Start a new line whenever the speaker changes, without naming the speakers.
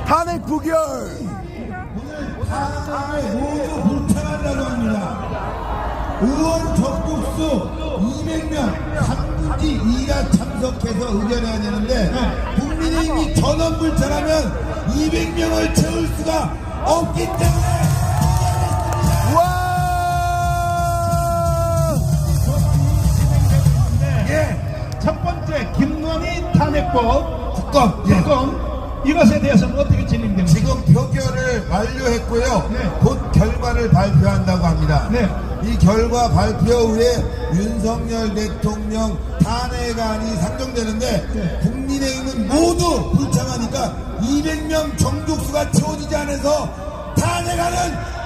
탄핵 부결.
오늘 탄핵에 모두 불참한다고 합니다. 의원 접국수 200명 3분지 2가 참석해서 의견해야 되는데 국민의힘이 전원 불참하면 200명을 채울 수가 없기 때문에
와!
첫 번째 김건희 탄핵법
특검
이것에 대해서는 어떻게 진행됩니까?
지금 표결을 완료했고요.
네.
곧 결과를 발표한다고 합니다.
네.
이 결과 발표 후에 윤석열 대통령 탄핵안이 상정되는데
네.
국민의힘은 모두 불참하니까 200명 정족수가 채워지지 않아서 탄핵안은